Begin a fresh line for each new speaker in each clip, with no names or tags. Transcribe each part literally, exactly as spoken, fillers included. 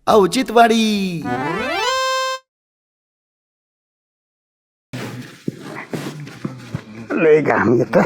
औचित्यवाडी.
लय घाम येतोय.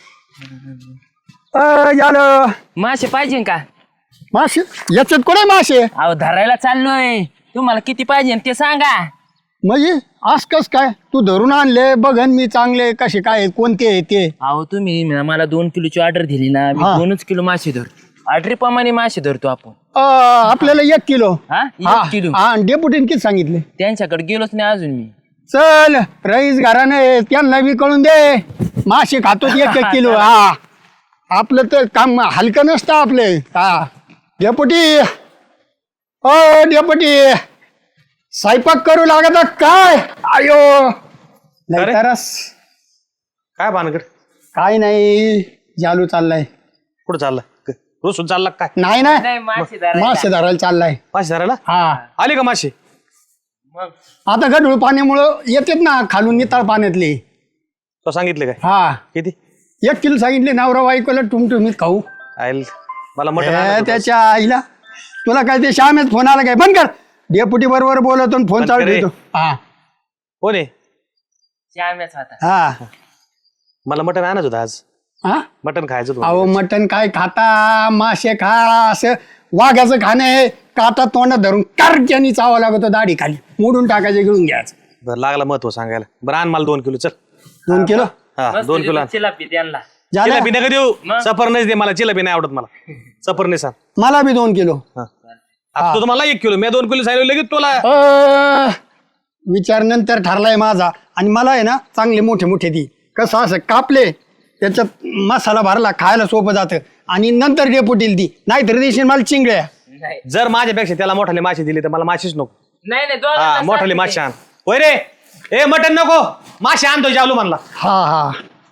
झालं
मासे पाहिजे का?
मासे याच्यात कोण आहे मासे?
अहो धरायला चाललोय. तुम्हाला किती पाहिजे ते सांगा.
म्हणजे आज कस काय तू धरून आणले बघन मी चांगले कसे काय कोणते आहे ते.
अहो तुम्ही मला दोन किलोची ऑर्डर दिली ना, मी
हा.
दोनच किलो मासे धरतो. ऑर्डरीप्रमाणे मासे धरतो आपण.
अं, आपल्याला एक किलो.
हा
हा
एक किलो.
हा, डेपुटीने किती सांगितले?
त्यांच्याकडे गेलोच नाही अजून मी.
चल रईस घराने त्यांना बी कळून दे मासे खातो एक एक किलो. हा आपलं तर काम हलकं नसतं आपले. हा डेपुटी ओ डेपुटी स्वयंपाक करू लागत काय? आयो नाही तरस
काय भानगड?
काय नाही जालू चाललाय.
कुठं चालला? रोसून चालला काय?
नाही नाही
नाही मासे धरायला.
मासे धरायला चाललाय.
मासे धरायला
हा
आले का मासे?
मग
आता गढूळ पाण्यामुळं येतात ना खालून नितळ पाण्यातले.
तो सांगितले काय
हा
किती?
एक किलो सांगितले नवरा बायकोला टुमटुमीत खाऊ.
आयल मला
हे,
मटण
त्याच्या आईला तुला काय ते श्यामेच फोन आला काय? बंद कर. डेपुटी बरोबर बोलतो फोन
बंद
चालू
कर रे.
देतो. हा
कोण आहे?
श्याम्याच होता.
हा
मला मटण आणत होतं आज.
हा
मटण खायचं होतं.
अहो मटण काय खाता? मासे खा. असं वाघाचं खाणं आहे. काटा तोंडात धरून कारक्यानी चावा लागतो दाढी खाली मोडून टाकायचं गिळून घ्यायचं.
बरं लागला महत्व सांगायला. बरं आण मला दोन किलो चल.
दोन किलो
हा
मस्त
दोन किलो आण.
चिलापी त्यांना.
झालं
चिलापी नका देऊ.
मग?
सफर नाही दे मला. चिलापी नाही आवडत मला. सफर नाही सांग.
मला बी दोन किलो.
आता तो तुम्हाला एक किलो मी दोन किलो सांगितलं लगेच तुला.
अ, विचार नंतर ठरलाय माझा. आणि मला आहे ना चांगले मोठे मोठे ती कसं असं कापले त्याच्यात मसाला भरला खायला सोपं जातं आणि नंतर डेपुटील ती नाहीतर देशील मला चिंगड्या.
नाही
जर माझ्यापेक्षा त्याला मोठाले मासे दिले तर मला मासेच नको.
नाही नाही,
हा
दोघांना
मोठाले
सारखे
मासे आण. होय रे ए मटण नको मासे आणतो जावलो म्हणला.
हा हा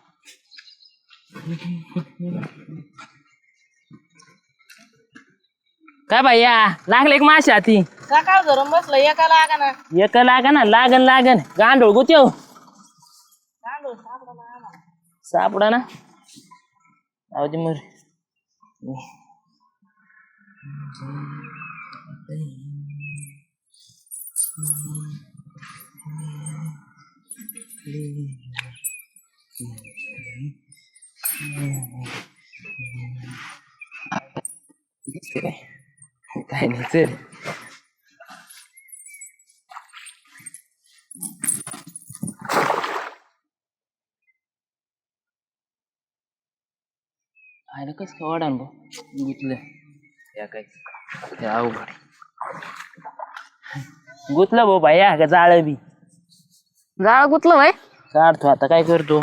काय भैया लागले एक मासे हाती.
सकाळ धरून बसलं एका लागा ना
एक लागा ना लागन लागन गांडोळ गुत्यो सापडा ना. अहो ते मर काय नाही चल. आयला कस काय वाढान भाऊ गुतलं या काय ते अवघड गुतलं भाऊ भाया का जाळ बी
जाळ गुतलं भाई
काढतो आता काय करतो.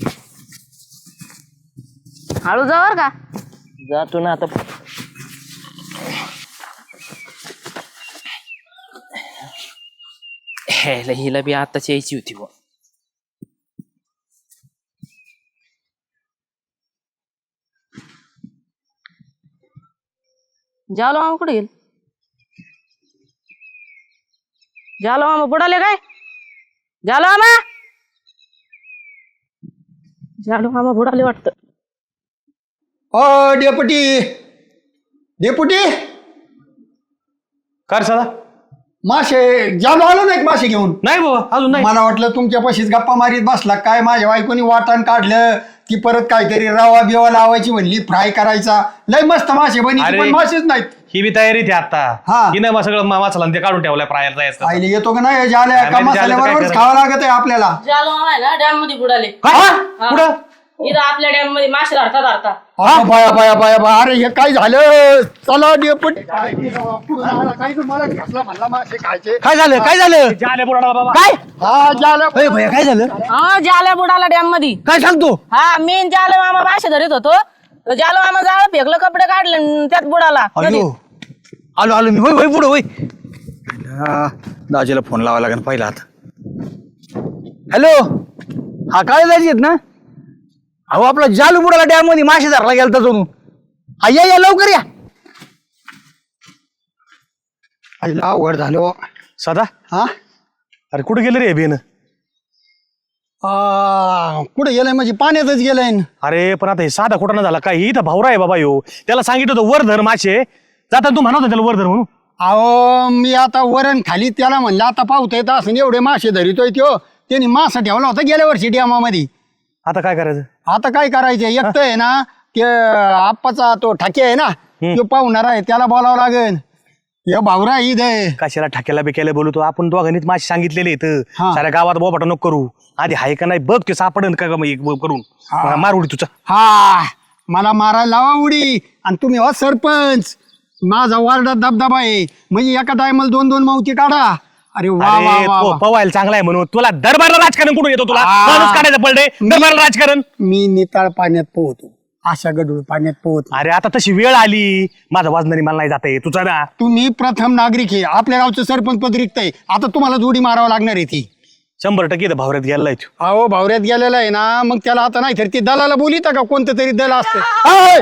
हळू जावर का
जातो ना आता. ह्याला हिला बी आताच यायची होती बुवा.
जालो मामा कुठे गेल जालो मामा बुडाले काय जालो मामा जालो मामा बुडाले वाटतं.
ओ डेपुटी डेपुटी
कर सदा
मासे जालो आलो ना एक मासे घेऊन.
नाही बाबा अजून नाही.
मला वाटलं तुमच्या पाशीच गप्पा मारीत बसला काय. माझ्या बायकोनी वाटण काढलं की परत काहीतरी रवा बिवा लावायची म्हणली फ्राय करायचा. लय मस्त मासे बनी
अरे.
पण मासेच नाहीत.
ही बी तयारी ती आता
हा.
हिनं मग सगळं मा- मसाला ते काढून ठेवलाय फ्रायला जायचं.
आईले येतो का नाही झाल्या
काय
का
माहिती झालं तर काय
मसाल्याबरोबरच
करायचं?
खावं लागत आहे आपल्याला.
जालो मामा आहे ना डॅम मध्ये बुडाले.
काय? कुठं?
इथं आपल्या डॅम मध्ये मासे धरता धरता
हा, बाया बाया बाया बाया. अरे हे काय झालं? चला डेपुटी काय मला घेतला म्हणला मासे खायचे.
काय झालं काय झालं
झाले बुडाला बाबा.
काय
हा झालं.
अरे भैया काय झालं
हा जाल्या बुडाला डॅम मध्ये.
काय सांगतो
हा मी न जालो मामा मासे धरीत होतो तर जालो मामा जाळ फेकलं कपडे काढले न त्यात बुडाला
अयो आलो आलो मी होय होय पुढं होय हा, दाजीला फोन लावा लागेल पहिला आता. हॅलो हा काय दाजी आहेत ना? अहो आपला जालू बुडाला डॅम मध्ये मासे धरला गेलता जणू. हा या या लवकर या.
आईला अवघड झालं.
सदा
हा
अरे कुठे गेलं रे बेन?
आ, कुठे गेलाय म्हणजे पाण्यातच गेलाय न.
अरे पण आता हे साधा कुठं ना झाला काय? इथं भावरा आहे बाबा यो. त्याला सांगितलं होतं वर धर मासे. जाता तू म्हणत होता त्याला वर धर म्हणून.
अहो मी आता वरण खाली त्याला म्हणलं आता पावता येत असं एवढे मासे धरितोय त्यो त्यांनी मासा ठेवला होता गेल्या वर्षी डॅमामध्ये.
आता काय करायचं?
आता काय करायचं एक तर आहे ना ते आप्पाचा तो ठाके आहे ना तो पाहुणार आहे त्याला बोलावं लागेल. हे भावरा ईद आहे.
कशाला ठाक्याला बिक्याला बोलतो आपण दोघांनीच माझे सांगितलेले इथं
हा.
साऱ्या गावात बोबाटा नको करू. आधी हाय का नाही बघ ते सापडन का ग मग एक करून मार उडी तुझा.
हा मला मारायला लावा उडी आणि तुम्ही हो सरपंच माझा वार्डात दबदबा आहे म्हणजे एका टायमाला दोन दोन मावती काढा. अरे वा वा
अरे
वा
तो
वा.
पवायला चांगला आहे म्हणून तुला दरबारला राजकारण कुठून येतो तुला
आ.
माणूस काढायचं पडले दरबारला राजकारण.
मी निताळ पाण्यात पोहतो अशा गडूळ पाण्यात पोहतो.
अरे आता तशी वेळ आली माझा वाजणारी मला नाही जाते तुझा ना.
तुम्ही प्रथम नागरिक आहे आपल्या गावचं सरपंच पद रिक्त आहे आता तुम्हाला जोडी मारावं लागणार आहे ती.
शंभर टक्के इथं भावऱ्यात गेलाय तू.
अहो भावऱ्यात गेलेला आहे ना मग त्याला आता नाही तर ती दलाला बोलिता का कोणतं तरी दल असतं. अय!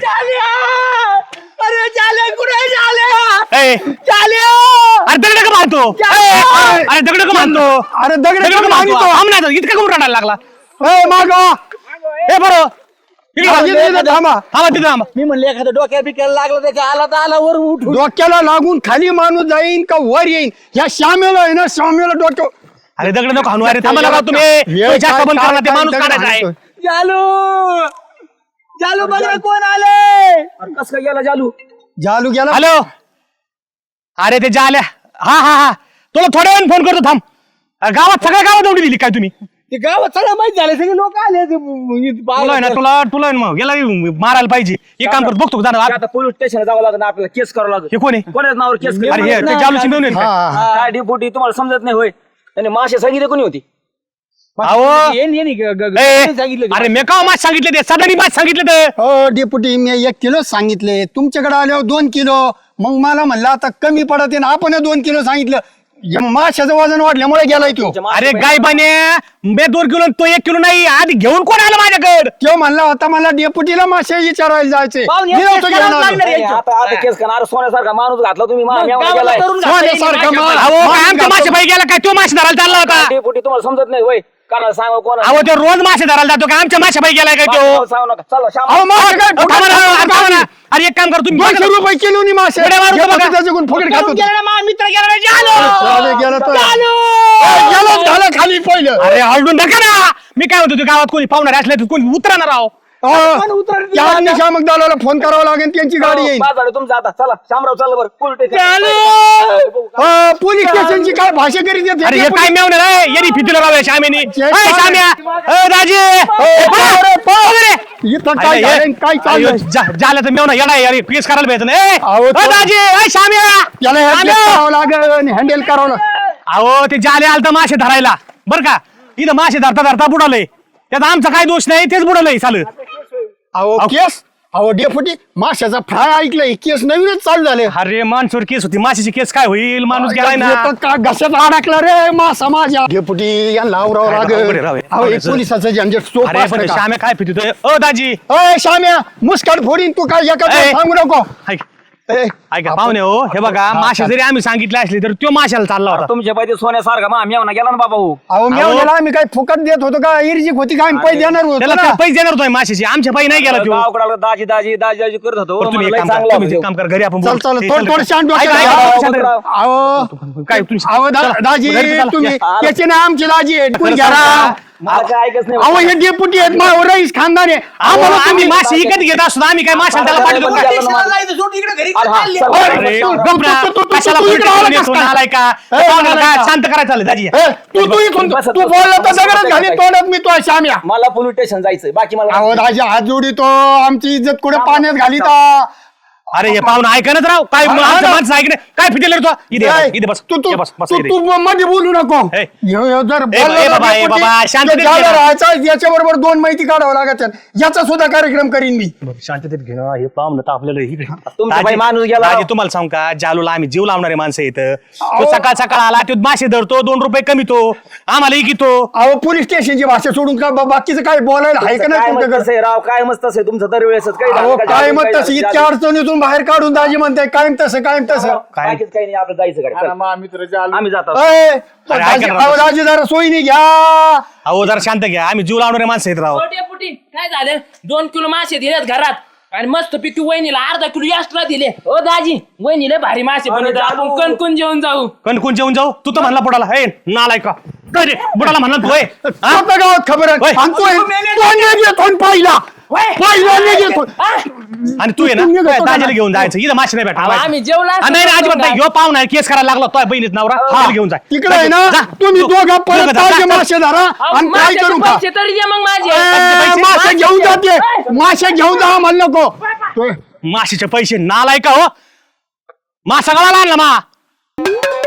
ए, अरे दगड का मारतो ए, अरे दगड का मारतो
अरे दगड
दगड का
का
मारतो
मारतो?
आमना इतका करून रडायला लागला.
ए, मागवा.
ए बरं इकडे
मागे
बघ.
तिथं थांबा.
थांबा तिथं थांबा.
मी म्हणले एखाद्या डोक्या बिक्याला लागलं त्याच्या आला तर आला वर उठून.
डोक्याला लागून खाली माणूस जाईन का वर येईन या श्यामेला आहे ना श्यामेला डोक्या
अरे दगड नको हाणू. अरे थांबा लागा तुम्ही
वेळ
पैसा
काय-
कबूल
काय-
करा ते
काय
माणूस
दगड
काढायचा आहे.
हाणतोय.
जालू जालू बघ रे कोण आले. कसं काय गेला जालू.
जालू गेला.
हॅलो अरे ते जाल्या हा हा हा तुला थोड्या वेळ फोन करतो थांब. अरे गावात सगळ्या गावात उडी दिली काय तुम्ही.
ते गावात सगळं माहित झालं सगळे लोक आले ते
तुला आहे ना तुला तुला आहे ना मग याला मारायला पाहिजे. एक काम करतो बघतो का जाणार
आता पोलीस स्टेशनला जावं लागेल आपल्याला केस करावं लागेल.
हे कोण आहे.
कोणाच नावावर केस
अरे हे ते जालूची मिळून येईल
हा,
का?
हा.
काय डिपुटी तुम्हाला समजत नाही होय. त्याने मासे सांगितले कोणी होती.
अहो
येईन येईन ग- ग-
ए,
ग- सांगितलं
अरे मी का मास सांगितले ते सदानी मास सांगितले ते.
हो डेपुटी मी एक किलो सांगितले तुमच्याकडे आल्यावर दोन किलो मग मला म्हणलं आता कमी पडत आहे ना आपण दोन किलो सांगितलं या माशाचं वजन वाढल्यामुळे गेलाय तो.
अरे गाय बाने मी दोन किलो तो एक किलो नाही आधी घेऊन कोण आलं माझ्याकडे.
तो म्हणला होता मला डेपुटीला मासे विचारायला जायचे
पाहुणे,
मी नव्हतो
केस
घेऊन
करायला
आलो.
लागणार
नाही, आता आता केस करणार सोन्यासारखा माणूस घातला तुम्ही मा- मी आम्हाला
गावाला
गेलाय.
करून घातलं येईन
सोन्यासारखा
माझ्या
माल.
बाई.
अहो काय
माणूस
आमच्या
घातला.
मासे भाई गेला काय तो मासे धरायला चालला होता.
डेपुटी तुम्हाला समजत नाही होय. कानाला सांगा कोण
अहो तो रोज मासे धरायला जातो का आमच्या मासे भाई गेलाय काय तो.
सांगू नका. चला श्याम
अहो, मासे काय
अहो, थांबा ना, अरे थांबा ना. अरे एक काम कर तुम्ही
दोनशे रुपये किलो नी मासे
एवढे मारू
डेपुटी
नका.
त्याच्याकडून फुकट खातो.
करून गेला ना माझा मित्र गेला ना, जालू.
चालेल, गेला तो.
जालू.
ए, गेलं, झालं खाली पहिलं.
अरे हळडून नका ना. मी काय म्हणतो तू गावात कोणी पाहुणार असले तर कोणी उतरणार आहो.
अहो,
उतरत नाही.
त्या अग्निशामक दलाला फोन करावा लागेल त्यांची गाडी येईल.
पाच झाले तुमचं आता. चला शामराव चला बरं पोलीस
जालू.
स्टेशन.
अ, पोलीस स्टेशनची काय भाषा करीत येते?
अरे हे काय मेवणार आहे येरी फितीला राव श्यामेनी.
जे-
ए, श्याम्या ए, राजे
ए, पाव रे, पाव.
वगैरे.
इथं
अरे,
काय
हे-
झालंय, काय चाललंय
अरे, जा- झालं तर मेवना येडा आहे, अरे केस करायला भेटत नाही.
अहो,
ए,
तो-
राजे ए, श्याम्या
त्याला हे
श्याम्या.
करावं लागेल हँडल करावं लागेल.
अहो ते जाले आलं तर मासे धरायला बर का इथं मासे धरता धरता बुडालय त्यात आमचा काय दोष नाही तेच बुडालय चालू.
अहो केस अहो डेपुटी माशाचा फ्राय ऐकलंय केस नवीनच चालू झाले.
अरे माणसोर केस होती माशाची केस काय होईल माणूस गेलाय ना.
येतं का घशात अडकला रे मासा माझ्या. डेपुटी यांना आवरावं
काय अवघड आहे राव
लागेल.
हे.
अहो हे पोलिसाचं झंझट सोपं
अरे
असतं
पण
का?
श्याम्या काय पितोय ओ दाजी.
अय श्याम्या मुस्काट फोडीन तू काय एका
ए.
सांगू नको.
ऐक
ए,
ऐका पाहुणे हो हे बघा मासे जरी आम्ही सांगितले असले तर तो माशाला चालला होता.
तुमच्या पाहिजे सोन्यासारखा मा मेवना गेला ना बाबा हो.
अहो मी
अहो.
म्हणलेलं आम्ही काय फुकट देत होतो का इर्जिक होती का आम्ही पैसे देणार होतो
त्याला
ना.
काय पैसे देणार होतोय माशाची आमच्या पायी नाही गेला तो.
गावाकडे आलं, दाजी दाजी दाजी दाजी करत होतो.
बरं, तुम्ही एक
मला
काम
लय
करा,
चांगला
तुम्ही एक
होता
काम करा घरी आपण
चल
बोलू.
चल
हे,
थोडं
चल,
थोडं शांत
ऐका,
डोक्याला
ऐका,
लावा.
शांत राहा.
अहो
काय तुम्ही
अहो दा-
चला,
दाजी
घरी चला.
तुम्ही
या.
त्याची ना आमची दाजी आहे कोण घ्या ना.
मला काय ऐकच नाही.
अहो हे डेपुटी आहेत मा- रईस खानदार आहे
अहो,
आम्हाला
आम्ही
तुम्ही
मासे विकत घेत असतो आम्ही काय माशाला त्याला पाठवतो का?
स्टेशनला जायचं, सोड इकडे घरी
अरे हा,
चालले.
चल.
अरे,
तू-
गप ना.
तू- तू- तू-
कशाला
तू इकडे
पोलीस
आला
स्टेशनला
कस काय?
आलाय का?
ए,
पाहुण्याला
आलाय
काय
का?
शांत करायचं चाललं दाजी.
ए, तू तू इथून
बस-
तू बोलला तर
बस-
सगळ्यात घाली तोंडात मी तो श्याम्या.
मला पोलीस स्टेशन जायचंय बाकी मला
अहो दाजी हात जोडीतो आमची इज्जत कुठे पाण्यात घालीता.
अरे हे पाहुणं ऐकणच राव काय
हा,
आमचं
ना.
माणसं ऐकणे काय फिटेल रे तू इथे ये,
ए,
इथे बस
तू तू
ये बस बस
तू
इथे.
तू मध्ये बोलू नको.
ए.
ह्यो- ह्यो जर
ए,
बोलला
ए,
तर
बाबा, ए,
डेपुटी,
बाबा, शांततेत
ते ज्याला
घे ना.
राहायचं याच्याबरोबर दोन माहिती काढावं लागत याचा सुद्धा कार्यक्रम करीन मी.
शांततेत घेणं हे पाहुणं तर आपल्याला इकडे
तुमचा बाई माणूस गेला.
दाजी, तुम्हाला सांग का जालूला आम्ही जीव लावणारे माणसं इथं तो सकाळ सकाळ आला तो मासे धरतो दोन रुपये कमी तो आम्हाला इकितो.
अहो पोलीस स्टेशनची भाषा सोडून का बा- बाकीचं काय बोलायला आहे का नाही
काय मत
तुमच्याकडे?
तसं आहे राव काय मस्त आहे तुमचं दरवेळेस काही
अहो काय मग तसं इतक्या अडचणीतून बाहेर काढून दाजी म्हणताय कायम तसं कायम तसं.
काही नाही आपलं जायचं गाडी चल. आम्ही जातो
ए,
अरे,
दाजी-
ऐका ना.
अहो, दाजी जरा सोयीने घ्या.
अहो जरा शांत घ्या आम्ही जीव लावणारे माणसं आहेत राव.
हो डेपुटी काय झालं दोन किलो मासे दिलेत घरात
आणि मस्त पैकी वहिनीला अर्धा किलो एक्स्ट्रा दिले. ओ दाजी वहिनीला भारी मासे बनवतो, आपण कणकून जेवण जाऊ.
कणकून जेवून जाऊ. तू तर म्हणला बुडाला हे नालाय का रे बुडाला म्हणला तू होय? हा?
आपल्या गावात खबर आहे.
होय.
आणि तो तो नाही घेतो आणि पहिला पहिला नाही घेतो.
आणि तू ये ना
तुम्ही घेतो का
दाजीला
ना?
घेऊन जायचं इथं मासे नाही
अहो,
भेटा.
आम्ही जेवला असतो
नाही नाही, अजिबात नाही.
काय?
ह्यो पाहुणा आहे, केस करायला लागला तो बहिणीत नवरा त्याला घेऊन जाय.
तिकडे आहे ना
जा.
तुम्ही
तू-
दोघा
दोघं
परत
जा, जा,
ताजे
जा.
मासे धरा
अहो,
आणि काय
माशाचे
करू का
पैसे तरी द्या मग माझे.
ए, मासे घेऊन जाते मासे घेऊन जा म्हणलं नको तो-
माशीचे पैसे नालाय का हो मासा गळाला आणला मा